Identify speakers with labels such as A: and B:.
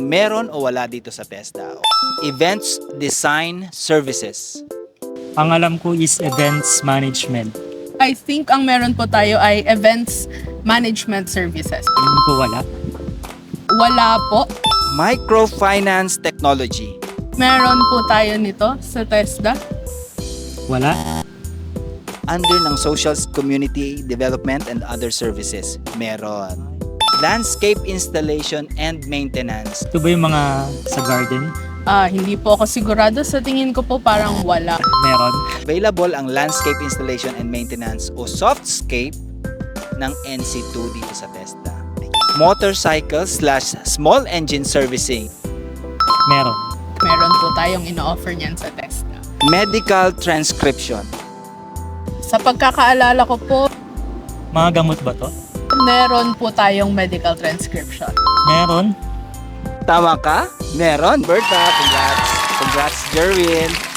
A: meron o wala dito sa TESDA. Events Design Services.
B: Ang alam ko is events management.
C: I think ang meron po tayo ay events management services.
B: Tingin ko wala.
C: Wala po.
A: Microfinance Technology.
C: Meron po tayo nito sa TESDA.
B: Wala.
A: Under ng Social Community Development and Other Services. Meron. Landscape Installation and Maintenance.
B: Ito ba yung mga sa garden?
C: Hindi po ako sigurado. Sa tingin ko po parang wala.
B: Meron.
A: Available ang Landscape Installation and Maintenance o Softscape ng NC2 dito sa TESDA. Motorcycle/Small Engine Servicing.
B: Meron.
C: Meron po tayong ino-offer niyan sa TESDA.
A: Medical Transcription.
C: Sa pagkakaalala ko po,
B: Mga gamot ba to?
C: meron po tayong medical transcription.
B: Meron.
A: Tama ka? Meron, Berta. Congrats. Congrats, Jerwin.